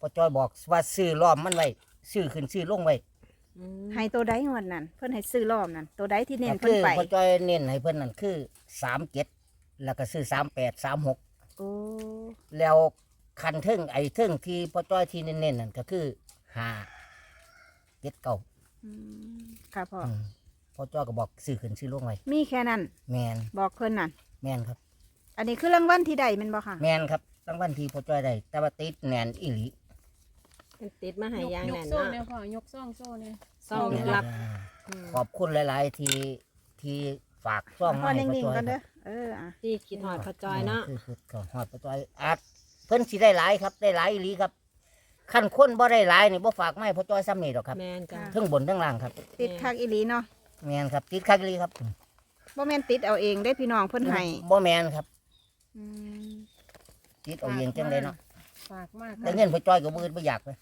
อจ้อยบอกว่าซื้อล้อมมันไว้ซื้อขึ้นซื้อลงไว้ให้ตัวใดงวดนั่นเพิ่นให้ซื้อรอบนั่นตัวใดที่เน้นก็เพิ่คืนอไปพอจ้อยเน้นให้เพิ่นนั่นคือ37แล้วก็ซื้อ38 36 โอ้แล้วคันเทิงไอ้เทิงที่พอจ้อยที่เน้นๆนั่นก็คือ5 7 9 อืมค่ะพ่อพอจ้อยก็บอกซื้อขึ้นซื้อลงไว้มีแค่นั้นแมนบอกเพิ่นนั่นแมนครับอันนี้คือรางวัลที่ใดแมันบ่ค่ะแมนครับรางวัลที่พอจ้อยได้แต่ว่าติดแน่นอีหลีมันติดมาให้ยางยแน่กนโซ่เนาะเนี่ยพ่อยกซ่องโซ่เนี่ยซ่องลึกลับขอบคุณหลาย ๆ ที่ฝากซ่องพ่อมาให้นิ่พอง จ้อยๆกันคเด้รัอบ เอออ่ะที่คิดหอดพอจอยเนาะคือก็ฮอดพอจ้อยอาจเพิ่นสิได้หลายครับได้หลายอีหลีครับคันคนบ่ได้หลายนี่บ่ฝากมาให้พอจ้อยซ้ำนี่ดอกครับแมนจ้ะทั้งบนทั้งล่างครับติดคักอีหลีเนาะแมนครับติดคักอีหลีครับบ่แม่นติดเอาเองได้พี่น้องเพิ่นให้บ่แมนครับอืมติดเอาเองจังไดเนาะฝากมากแต่เงินพอจ้อยก็บ่อื่นบ่อยากเลย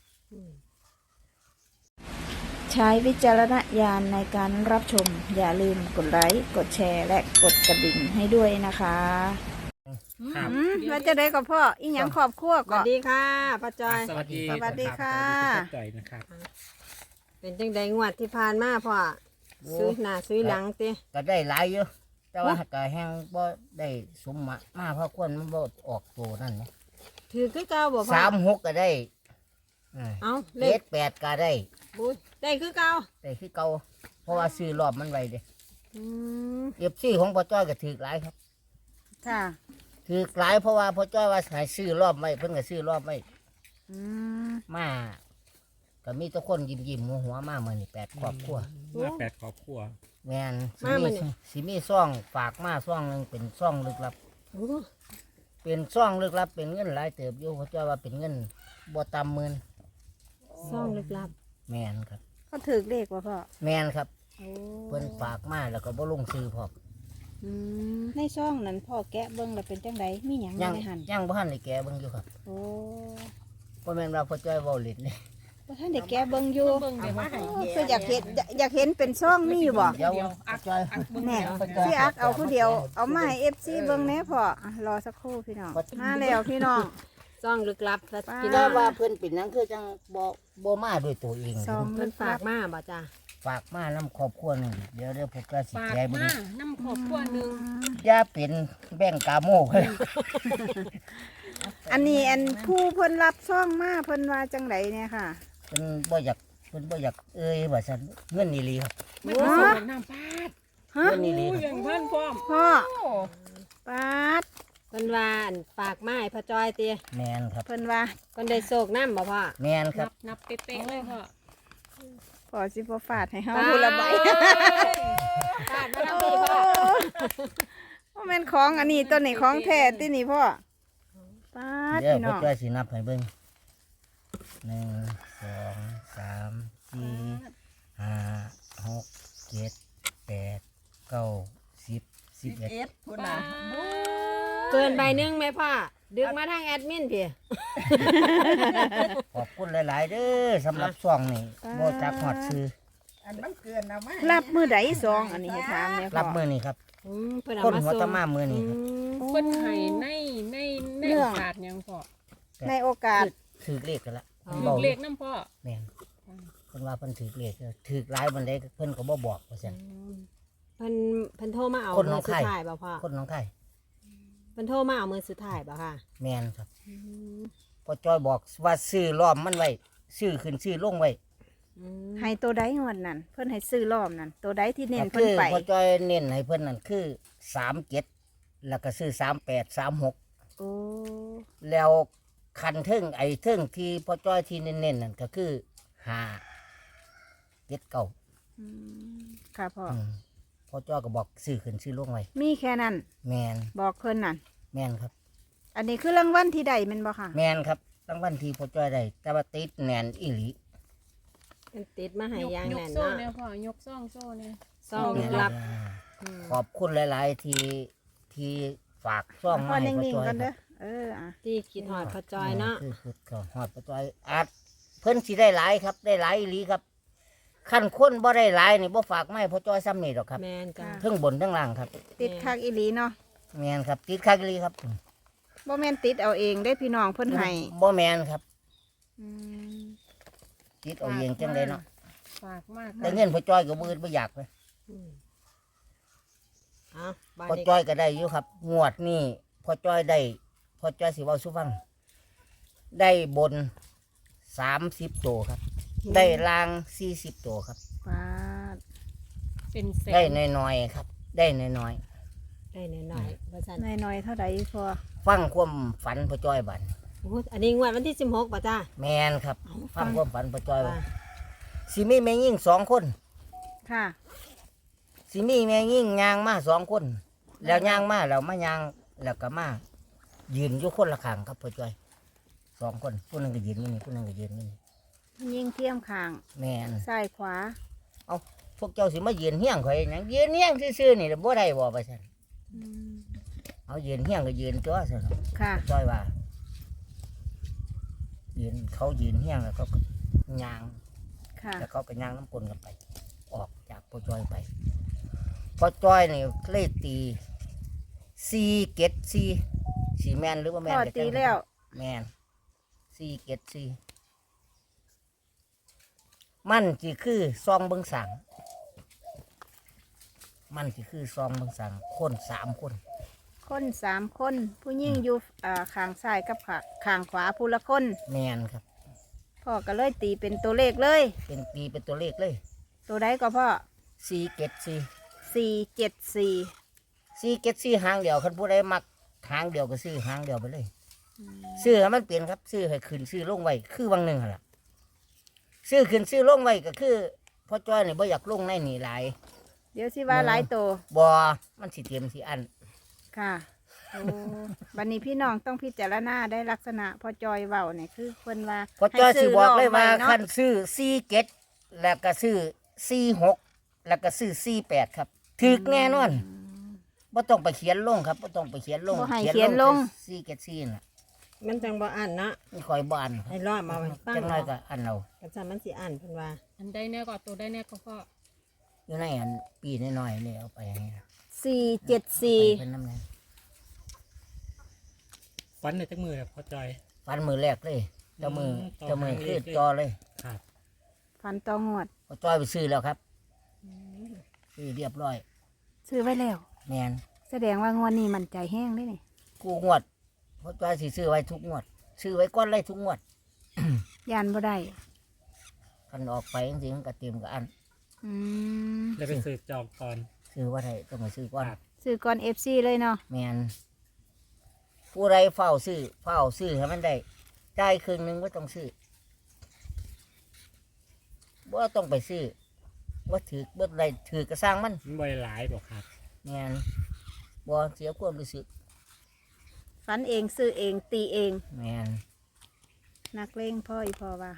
ใช้วิจารณญาณในการรับชม อย่าลืมกดไลค์กดแชร์และกดกระดิ่งให้ด้วยนะคะครับว่าจะได้กับพ่ออีหยังครอบครัวสก็วัสดีค่ะพอจอยสวัสดีสวัสดีค่ะสวัสดีจ่อยนะครับเป็นจังใดงวดที่ผ่านมาพ่อซื้อหน้าซื้อหลังติก็ได้หลายอยู่แต่ว่าก็แฮงบ่ได้สมมาเพราะคนมันบ่ออกตัวนั่นนะถือคือเก่าบ่พ่อ 36ก็ได้เอาเลข 78ก็ได้บุญได้คือเก่าได้คือเก่าเพราะว่าซื้อรอบมันไว้เด้อืม FC ของพ่อจ้อยก็ถือหลายครับค่ะถือหลายเพราะว่าพ่อจ้อยว่าให้ซื้อรอบไว้เพิ่นก็ซื้อรอบไว้อืมมาก็มีแต่คนยิ้มๆหัวๆมามื้อนี้8ครอบครัวมาแปดครอบครัวแม่นสิมีซ่องฝากมาซ่องหนึงเป็นซ่องลึกลับโอ้เป็นซ่องลึกลับเป็นเงินหลายเติบอยู่พ่อจ้อยว่าเป็นเงินบ่ต่ำหมื่นซ่องลึกลับแม่นครับเขาถือเลขว่าพ่อแม่นครับโอ้เพิ่นฝากมาแล้วก็บ่ลงซื้อพร้อมอืมในซ่องนั้นพ่อแกะเบิ่งแล้วเป็นจังไดมีหยังยังในหันยังบ่ทันได้แก้เบิ่งอยู่ครับโอ้บ่แม่นว่าพ่อจ้อยเว้าเล่นนี่บ่ท่านได้แกะเบิ่งอยู่เบิ่งเดี๋ยวมาให้โอ้คืออยากเห็นเป็นซ่องมีอยู่บ่เดี๋ยวพ่อจ้อยแน่สิอักเอาผู้เดียวเอามาให้ FC เบิ่งแหน่พ่ออ่ะรอสักครู่พี่น้องมาแล้วพี่น้องซ่องลึกลับซะป้าพี่น้แต่องว่าเพิ่นเป็นหยังคือจังบ่มาด้วยตัวเองซองเพิ่นฝากมาบ่จ้ะฝากมานํครอบครัวหนึงเดี๋ยวผมก็สิฝากแก้เบิ่งมาน้ำขอบครัวหนึ่งอย่าเป็นแบ่งกาโมเพิ่นอันนี้อันผู้เพิ่นรับซ่องมาเพิ่นว่าจังไดเนี่ยค่ะเพิ่นบ่อยากเอ้ยว่าซั่นเงินนี่ลีครับไม่ผสมกับน้ำปาดฮะเงินนี่ลีอู้ครับอย่างท่านพร้อมพ่อโอ้ปาดเพิ่นว่าอั่นฝากมาให้พอจอยติแม่นครับเพิ่นว่าเพิ่นได้โศกน้ำบ่พ่อแม่นครับนับเป๊ะๆเลยพ่อพ่อสิบ่ฟาดให้เฮาผู้ละใบฝากมาทำพี่พ่อบ่แม่นของอันนี้ต้นนี้ของแท้ตินี่พ่อปาดเดี๋ยวพี่พ่น้อองจ้อยสินับให้เบิ่ง1 2 3 4 5 6 7 8 9 10 11 คุณน่ะเกินใบหนึงไหมพ่อดึกมาทางแอดมินพี่ขอบคุณหลาย ๆ เด้อสำหรับช่วงนี้บ่จักฮอดซื้อรับมือใดซองอันนี้ให้ถามเนี่ยพ่อรับมื้อนี้ครับเพิ่นเอาคนมาหัวส่งตะมามื้อนี้ครับเพิ่นให้ในโอกาสหยังพ่อในโอกาสถือเลขกันละถืบออกเลขน้ำพ่อแม่นเพิ่นว่าเพิ่นถือเลขถือหลายบันไดเพิ่นก็บ่บอกว่าซั่นเพิ่นโทรมาเอาคนน้มืออง สุไข่ดท้ายบ่พ่อคนหน้องไข่เพิ่นโทรมาเอามือสุดท้ายบ่ค่ะแม่นครับพอจ้อยบอกว่าซื้อล้อมมันไว้ซื้อขึ้นซื้อลงไว้ให้ตัวใดงวดนั่นเพิ่นให้ซื้อรอบนั่นตัวใดที่เน้นก็เพิ่คืนอไปพอจ้อยเน้นให้เพิ่นนั่นคือ37แล้วก็ซื้อ38 36 โอ้แล้วคันเทิงไอ้เทิงที่พอจ้อยที่เน้นๆนั่นก็คือ5 7 9 อืมค่ะพ่ออพอจ้อยก็บอกซื้อขึ้นซื้อลงไว้มีแค่นั้นแม่นบอกเพิ่นนั่นแม่นครับอันนี้คือรางวัลที่ใดแม่นบ่ค่ะแม่นครับรางวัลที่พอจ้อยได้แต่ว่าติดแน่นอีหลีมันติดมาให้ยางยกแน่นโซ่เนาะเนี่ยพ่อยกซ่องโซ่เนี่ยซ่องลึกลับขอบคุณหลาย ๆ ที่ฝากซ่องพ่อมาให้นิ่พ่อง จ้อยๆกันคเด้รัอบ เอออ่ะที่คิดหอดพอจอยเนาะคือก็ฮอดพ่อจ้อยอาจเพิ่นสิได้หลายครับ ได้หลายอีหลีครับคันคนบ่ได้หลายนี่บ่ฝากมาให้พ่อจ้อยซ้ำนี่ดอกครับแมนจ้ะทั้งบนทั้งล่างครับติดคักอีหลีเนาะแม่นครับ ติดคักอีหลีครับบ่แม่นติดเอาเองได้พี่น้องเพิ่นให้บ่แม่นครับออืมคิดเอาเองจังไดเนาะฝากมากแต่เงินพ่อจ้อยก็บ่อื่นบ่อยากเลยเอาบ้านพ่อนี้จ้อยก็ได้อยู่ครับ งวดนี้พ่อจ้อยได้พ่อจ้อยสิเว้าสู่ฟัง ได้บน30ตัวครับ ได้ล่าง40ตัวครับปาดเป็นแสได้นน้อยๆครับ ได้น้อยได้หน่อยๆว่าซั่นน้อยๆเท่าใดพอๆฟังความฝันพ่อจ้อยบัดโอ้อันนี้งวดวันที่16ป่ะจ้าแม่นครับ ฟังความฝันพ่อจ้อยว่าว่าสิมีแม่ยิ่ง2 คนค่ะสิมีแม่ยิ่งย่างมา2 คน แล้วย่างมาแล้วมาย่างแล้วก็มายืนอยู่คนละข้างครับพ่อจ้อย2 คนผู้หนึงก็ยืนอยู่นี่ผู้หนึงก็ยืนอยู่นี่ยิงเทียมข้างแม่นซ้ายขวาพวกเจ้าสิมายืนเฮี้ยงข่อยหยังยืนเฮี้ยงซื่อๆนี่บ่ได้บ่ไปซั่นอืมเอายืนเฮี้ยงก็ยืนตัวซั่นค่ะจ้อยว่ายืนเขายืนเฮี้ยงแล้วก็ย่างค่ะแล้วเขาก็ย่างน้ำกลนกันไป ออกจากพ่อจ้อยไปพ่อจ้อยนี่เลยตี4 7 4สีแม่นหรือว่าแม่นพ่อก็จังตีแล้วแม่น4 7 4มันสิคือซองเบิ่งสังมันสิคือซองเบิ่งสังคน3 คนคน3 คน ผู้ยิ่งอยู่ข้างซ้ายกับข้างขวาผู้ละคนแม่นครับพ่อก็เลยตีเป็นตัวเลขเลยเป็นตีเป็นตัวเลขเลยตัวใดก็พ่อ 4 7 474 4 7 4หางเดียวคันผู้ใดมักหางเดียวก็ซื้อหางเดียวไปเลยซื้อให้มันเปลี่ยนครับซื้อให้ขึ้นซื้อลงไว้คือบางหนึ่งหั่นล่ะซื้อขึ้นซื้อลงไว้ก็คือพ่อจ้อยนี่บ่อยากลงในนี่หลายเดี๋ยวสิว่าหลายตัวบ่มันสิเตรียมสิอันค่ะโอ้บัดนี้พี่น้องต้องพิจารณาได้ลักษณะพ่อจอยเว้าเนี่ยคือเพิ่นว่าพ่อจ้อยสิบอกเลยว่าให้ซื้อรอบไว้เนาะคันซื้อ4 7แล้วก็ซื้อ4 6แล้วก็ซื้อ4 8ครับถูกแน่นอนบ่ต้องไปเขียนลงครับบ่ต้องไปเขียนลงบ่ให้เขียนลง 4 7 4น่ะมันจังบ่อ่านเนาะนี่คอยบ่อันคให้รับรอดมาไว้ตั้งจังน้อยก็อันเอากันซะมันสิอ่านเพิ่นว่าอันใดแน่ก็ตัวใดแน่ก็พ่ออยู่ในอันปีน้อยๆนี่เอาไปให้นะ 474 เป็นน้ำแดงฟันในจักมือพ่อจอยฟันมือแรกเลยเจ้ามือต่อเจ้ามือหางเลคือขเลยจอเลยครับฟันต่องวดพอจ้อยไปซื้อแล้วครับซื้อเรียบร้อยซื้อไว้แล้วแมนแสดงว่างวดนี้มันใจแห้งได้นี่กูงวดพอจ้อยสิซื้อไว้ทุกงวด ซื้อไว้ก้อนเลยทุกงวดยานบ่ได้คันออกไปจริงๆมันก็เตรียมกับอันอืมแล้วไปสืบจองก่อนซื้อว่าไทยต้องไปซื้อก้อนครับซื้อก่อน FC เลยเนาะแมนผู้ใดเฝ้าซื้อให้มันได้จ่ายครึ่งหนึงก็ต้องซื้อว่าต้องไปซื้อว่าถือว่าใดถือกระสร้างมันมันบ่ได้หลายบอกครับแมนบ่เสียความรู้สึกฟันเองซื้อเองตีเองแมนนักเลงพ่ออีพ่อว่า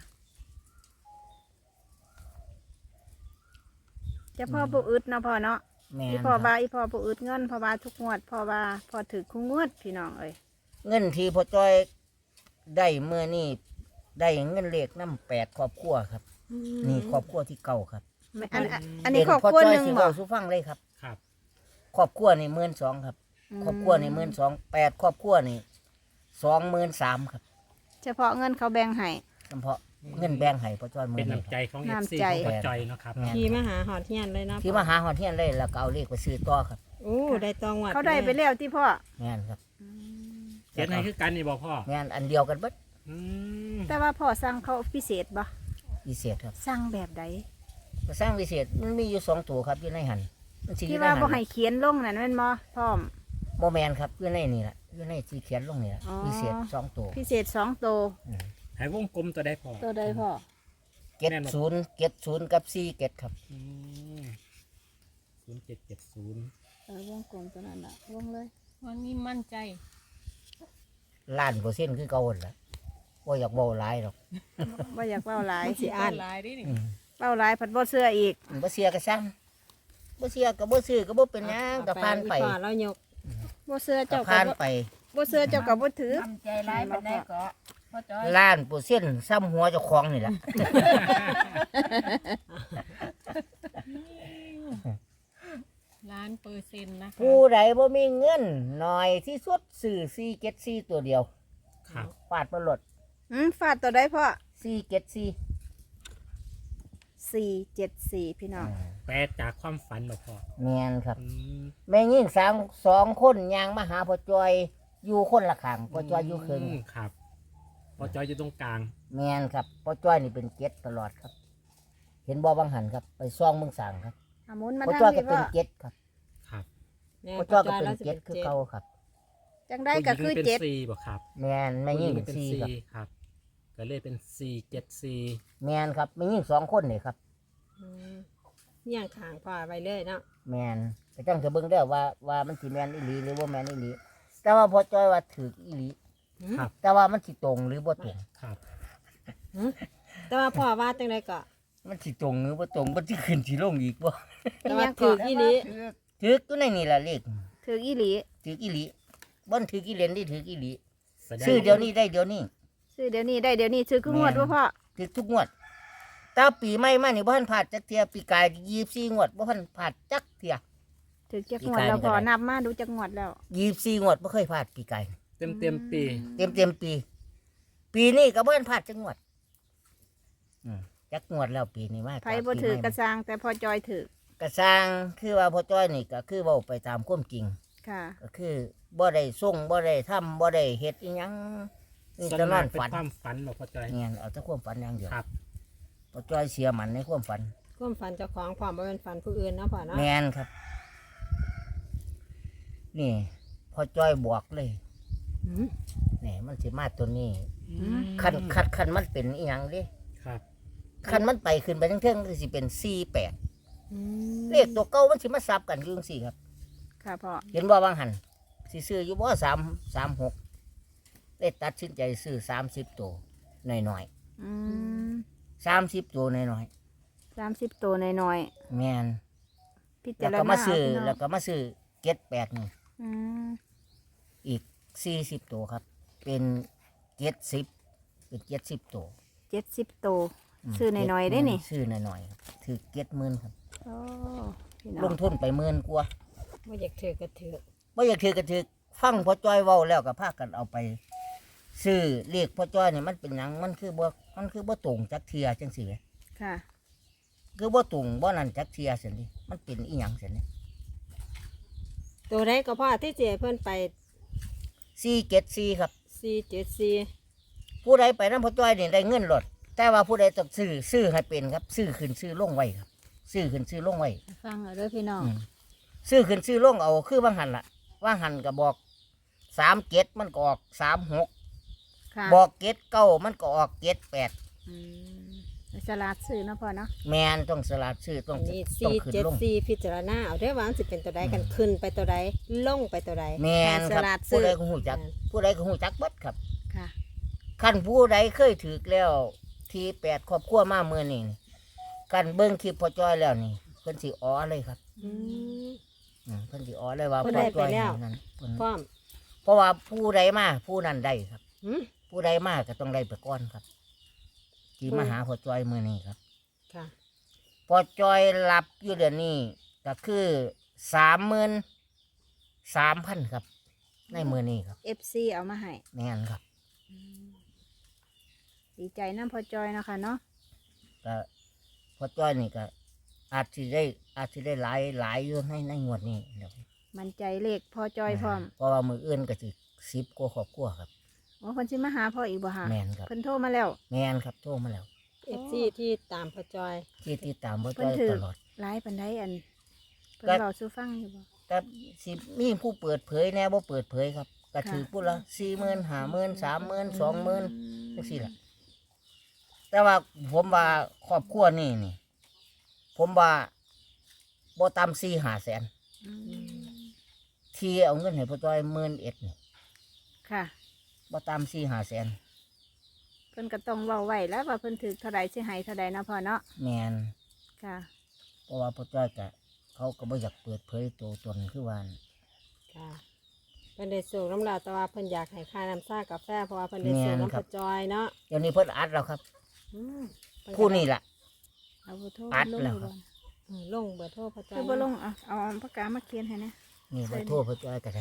จะพ่อผู้อึดเนาะพ่อเนาะแมอีนพ่อครับว่าอีพ่อผู้อึดเงินพ่อว่าทุกงวดพ่อว่าพ่อถือคู่งวดพี่น้องเอ้ยเงินที่พ่อจ้อยได้เมื่อนี่ได้เงินเลขน้ำ8 ครอบครัวครับ นี่ครอบครัวที่เก่าครับไม่อันนี้ครอบครัวเป็หนึ่งพ่อจ้อยสิบ่เว้าสู่ฟังเลยครับครับครอบครัวนี่12,000ครับ ครอบครัวนี่12,000 8 ครอบครัวนี่23,000ครับเฉพาะเงินเขาแบ่งให้เฉพาะเงินแบ่งให้พ่อจ้อยมื้เป็อน นี้น้ำใจของน้ำ FC ใจของพ่อจอยเนาะครับแม่นขี่มาหาหอดเฮียนเลยเนาะที่มาหาฮอดเฮียนเลยแล้วก็เอาเลขไปซื้อต่อครับโอ้ได้ตองวัดเขาได้ไปแล้วที่พ่อแม่นครับเขียนให้คือกันนี่บอกพ่อแม่นอันเดียวกันเบิดอืมแต่ว่าพ่อสั่งเขาพิเศษบ่พิเศษครับสั่งแบบใดก็สร้างพิเศษมันมีอยู่2ตัวครับอยู่ในหันมันสิอที่ยู่ในว่าหันบ่ให้เขียนลงนั่นแม่นบ่พร้อมบ่แม่นครับอยู่ในนี่แหละอยู่ในที่เขียนลงนี่แหละอ๋อพิเศษ2ตัวพิเศษ2ตัวให้วงกลมตัวได้พอตัวใดพ่อ 70กับ47ครับอืม0770 วงกลมตัวนั้นน่ะวงเลยวันนี้มั่นใจล้านเปอร์เซ็นต์คือเก่าหั่นล่ะบ่อยากเว้าหลายหรอกบ่อยากเว้าหลายสิอ่านหลายดินี่เว้าหลายผัดบ่เชื่ออีกบ่เสียก็สั่งบ่เสียก็บ่ซื้อก็บ่เป็นหยังก็ผ่านไปอีพ่อเรายกบ่เชื่อก็เจ้าก็ผ่านบ่ไปบ่เชื่อเจ้าก็บ่ถือทำใจร้ายปานใดก็พ่อจอยล้านเปอร์เซ็นต์ซ้ำหัวเจ้าของนี่แหละ 1,000,000%นะคะผู้ใดบ่มีเงินน้อยที่สุดซื้อ474ตัวเดียวครับฟาดบ่ลดฟาดตัวใดพ่อ 474พี่น้องแปลจากความฝันบ่พ่อแม่นครับอืมแม่ยิ่งสองคนยางมาหาพ่อจอยอยู่คนละข้างพ่อจอยอยู่ครึ่งครับพอจอยอยู่ตรงกลางแม่นครับพ่อจ้อยนี่เป็นเจ็ดตลอดครับ เห็นบ่บางหันครับ ไปซ่องเมืองสางครับอามุนมาพ่อทางจ้อยก็พี่เป็นว่าเจ็ดครับครับแม่พ่อจ้อยก็พ่เป็นแล้วสิเจ็ดคือเก่าครับจังได้ก็คือผู้หญิงเจ็ดเป็นสี่บ่ครับแม่นแม่ยิ่งผู้หเป็นญิสี่เป็นครับสี่ครับ ก็เลยเป็น474 แม่นครับแม่ยิ่งสองคนนี่ครับอืมเนี่ยงขางพ่อไว้เลยเนาะแม่นแต่จังจะเบิ่งได้อว่ามันสิแม่นอีหลีหรือว่าแม่นอีหลีแต่ว่าพ่อจ้อยว่าถืออีหลีครับแต่ว่ามันสิตรงหรือบ่ตรงครับแต่ว่าพ่อว่าจังไดก็มันสิตรงหรือบ่ตรงมันสิขึ้นสิลงอีกบ่แต่ว่าถืออีหลีถืออยู่ในนี่ล่ะเลขถืออีหลีถืออีหลีบ่ถืออีเหรียญนี่ถืออีหลีแสดงซื้อเดี๋ยวนี้ได้เดี๋ยวนี้ซื้อเดี๋ยวนี้ได้เดี๋ยวนี้ซื้อคืองวดว่าพ่อถือทุกงวดแต่ปีใหม่มานี่บ่ทันผ่านจักเที่ยปีกาย24งวดบ่ทันผ่านจักเที่ยถือจักงวดแล้วพอนับมาดูจักงวดแล้ว 24งวดบ่เคยผ่านปีกายเต็มปีเต็มปี ปีนี้ก็บ่ทันผ่านจักงวดจักงวดแล้วปีนี้มาไผบ่ถือกระซังแต่พอจอยถือกระสร้างคือว่าพ่อจ้อยนี่ก็คือเว้าไปตามความจริงค่ะก็คือบ่ได้ส่งบ่ได้ทำบ่ได้เฮ็ดอีหยังนี่ส่วนจะนมาอก นเป็นฝันความฝันบ่พอจอยเนี่ยเอาแต่ความฝันอย่างเดียวครับพ่อจ้อยเสียมันในความฝันความฝันเจ้าของพ่อบ่เป็นฝันผู้อื่นเนาะพ่อเนาะแม่นครับ นี่พ่อจ้อยบวกเลยอืมนี่มันสิมาตัวนี้อืมคันมันเป็นอีหยังเดิครับคันมันไปขึ้นไปทั้งเทิงก็สิเป็น48 อืมเลขตัวเก่ามันสิมาซับกันอยู่จังซี่ครับค่ะพ่อเห็นบ่บางหันสิซื้ออยู่บ่336เลยตัดสินใจซื้อ30ตัวหน่อยอืมๆ30ตัวหน่อย 30ตัวน้อยๆแม่นๆพิจาแล้วรก็ณามาซื้อเพี่น้งแล้วก็มาซื้อ78นี่อืมอีก40ตัวครับ เป็น70เป็น70ตัว 70ตัวซื้อน้อยๆได้นี่ซื้อหน่อยๆครับถือ70,000ครับโอ้พี่น้ลองงทุนไป10,000กว่าบ่อยากถือก็ถือบ่อยากถือก็ถือฟังพ่อจ้อยเว้าแล้วก็พากันเอาไปซื้อเลขพ่อจ้อยนี่มันเป็นหยังมันคือบ่ตรงจักเทียจังซี่แหมค่ะคือบ่ตรงบ่นั่นจักเทียซั่นดิมันเป็นอีหยังซั่นนี่ตัวใดก็พ่อที่เจเพิ่นไป 474ครับ 474 ผู้ใดไปนำพ่อจ้อยนี่ได้เงินหลด แต่ว่าผู้ใดต้องซื้อให้เป็นครับ ซื้อขึ้นซื้อลงไว้ครับ ซื้อขึ้นซื้อลงไว้ฟังเอาเด้อพี่น้องซื้อขึ้นซื้อลงเอาคือว่างหันล่ะว่างหันก็บอก37มันก็ออก36 ค่ะบอก79มันก็ออก78 อืมสลัดซื้อเนาะพ่อเนาะแมนต้องสลัดซื้อต้องอันนี้ต้องขึ้นลง 474พิจารณาเอาได้อว่ามันสิเป็นตัวใดกันขึ้นไปตัวใดลงไปตัวใดแมนครับผู้ใดก็หูจัก ผู้ใดก็หูจักเบิดครับค่ะขั้นผู้ใดเคยถือแล้ว ที8ครอบครัวมาเมื่อนี่กันเบิ้งคลิปพอจอยแล้วนี่เพิ่นสิอ๋อเลยครับอืมเพิ่นสิอ๋อเลยว่าเพิ่นพอได้จไปอยแล้วนั่นเพิ่นพร้อมเพราะว่าผู้ใดมาผู้นั้นได้ครับหืมผู้ใดมาก็ต้องได้ไปก่อนครับที่มาหาพอจอยมื้อนี้ครับค่ะพอจอยรับอยู่เดือนนี้ก็คือ33,000ครับ ในมื้อนี้ครับ FC เอามาให้แม่นครับดีใจน้ำพอจอยเนาะคะเนาะก็พอจ้อยนี่ก็อาจสิได้หลายอยู่ในงวดนี้เดี๋ยวมันใจเลขพอจอยพร้อมเพราะว่ามืออื่นก็สิ10กว่าครอบครัวครับโอ้คนสิมาหาพ่ออีกบ่ฮะแม่นครับเพิ่นโทรมาแล้วแม่นครับโทรมาแล้ว FC ที่ตามพ่อจอยที่ติดตามพอเพิ่จ้นอยถือตลอดหลายปานใดอันเพิ่นก็เว้าสู่ฟังอยู่บ่แต่สิมีผู้เปิดเผยแน่บ่เปิดเผยครับก็ค่ะถือผู้ละ40,000 50,000 30,000 20,000จังซี่ล่ะแต่ว่าผมว่าครอบครัวนี่ผมว่าบ่ต่ำ4-5แสนอืมที่เอาเงินให้พอจ้อย11,000นี่ค่ะบ่ต่ำ4-5แสนเพิ่นก็ต้องเว้าไว้แล้วว่าเพิ่นถือเท่าใดสิให้เท่าใดเนาะพ่อเนาะแม่นค่ะเพราะว่าพ่อจ้อยก็เขาก็บ่อยากเปิดเผยตัวตนคือว่าค่ะเพิ่นได้สูงน้ำลายแต่ว่าเพิ่นอยากให้ค่าน้ำซ่ากาแฟเพราะว่าเพิ่นได้สูงน้ำพ่อจอยเนาะเดี๋ยวนี้เพิ่นอัดแล้วครับอืมเพิ่ก็ผู้นี่ล่ะเอาบ่โทรอัดลงแล้วอยู่ครับบ่ลงเบอร์โทรพ่อจอยคือบ่ลงเอาปากกามาเขียนให้นะนี่เบอร์โทรพ่อจ้อยก็ได้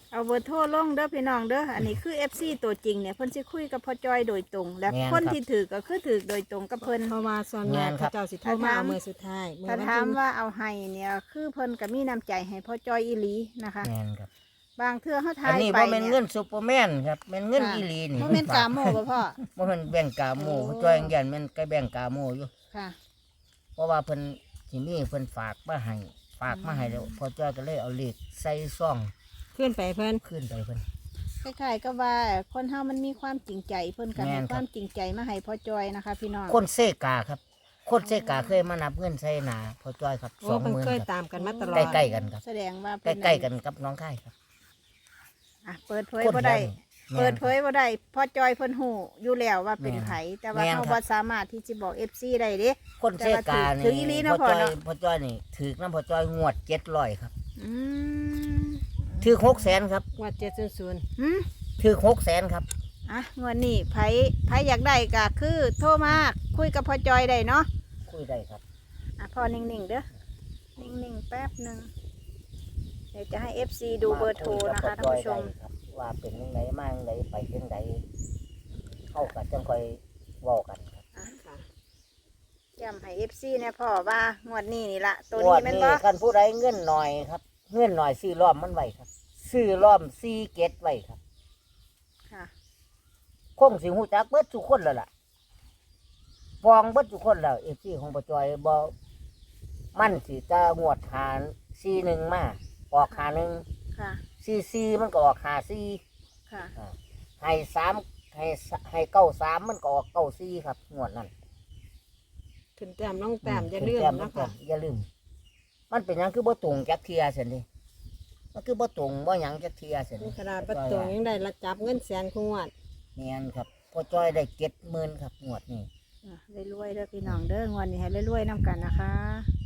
เอาเบอร์โทรลงเด้อพี่น้องเด้ออันนี้คือ FC ตัวจริงเนี่ยเพิ่นสิคุยกับพ่อจอยโดยตรง และแม่นคนครับที่ถือก็คือถือโดยตรงกับเพิ่นเพราะว่าส่วนใหญ่แม่นครัเขาบเจ้าสิโทรมาเอามือสุดท้ายมือถ้าวันถามที่ว่าเอาให้เนี่ยคือเพิ่นก็มีน้ำใจให้พ่อจอยอีหลีนะคะแม่นครับบางเทื่อเฮาทาอันยนี้ไปบ่แม่นเนี่เงิยนซุปเปอร์แมนครับแม่นเงินอีหลีนี่บ่แม่นกาโมบ่พ่อบ่แม่นแบ่งกาโมโอ้จอยยันแม่นใกล้แบ่งกาโมอยู่ค่ะเพราะว่าเพิ่นสิมีเพิ่นฝากมาให้แล้วพอจ้อยก็เลยเอาเลขใส่ซองขึ้นไปเพิ่นขึ้นไปเพิ่นคล้ายๆก็ว่าคนเฮามันมีความจริงใจเพิ่นก็แม่ให้นครับความจริงใจมาให้พ่อจอยนะคะ พี่น้องคนเซกาครับ คนเซกาเคยมานับเงินใส่หนาพอจ้อยครับโอ้เพิ่น 20,000 เคยครับตามกันมาตลอดใกล้ๆกันครับแสดงว่าใกล้ๆกันกับน้องค่ายครับอ่ะเปิดเผยคนบ่ได้แม่นเปิดเผยบ่ได้พ่อจอยเพิ่นฮู้อยู่แล้วว่าเป็นแม่นไผแต่ว่าแม่นเฮาครับบ่สามารถที่จะบอก FC ได้เด้คนเซกานี่ถืออีหลีนะพอจ้อยพ่อเนาะพอจ้อยนี่ถือน้ำพอจ้อยงวด700ครับอืมถือ600,000ครับงวด700 หืมถือ600,000ครับอ่ะงวดนี้ไผอยากได้ก็คือโทรมาคุยกับพ่อจอยได้เนาะคุยได้ครับอ่ะพ่อนิ่งๆเด้อนิ่งๆแป๊บหนึงเดี๋ยวจะให้ FC ดูเบอร์โทรนะคะท่านผู้ชมครับว่าเป็นยังไงมาจังไดไปจังไดเข้ากันจังค่อยเว้ากันครับค่ะย้ำให้ FC เนี่ยพ่อว่างวดนี้นี่ละตัวงนี้วดแม่นนี้บ่คันผู้ใดเงินหน่อยครับเงินหน่อยซื้อล้อมมันไว้ครับ ซื้อล้อม4เกตไว้ครับค่ะคงสิฮู้จักเบิดทุกคนแล้วล่ะฟองเบิดทุกคนแล้ว FC ของปจอยบ่มันสิจะงวดหาร41มาออกหา1 ค่ะ 44มันก็ออกหา4 ค่ะให้3ให้93มันก็ออก94ครับงวดนั้นขึ้นแต้มลงแต้มอย่าลืมแต้มนะแต้คะมอย่าลืม มันเป็นหยังคือบ่ตรงจักเทียเสียนี่มันคือบ่ตรงบ่หยังจักเทียเสียนี่นี่ขนาดประตูยังได้ละจับเงินแสนคงวดแม่นครับพอจ้อยได้70,000ครับงวดนี้รวยๆเด้อพี่น้องเด้องวดนี้ให้รวยๆนํกันนะคะ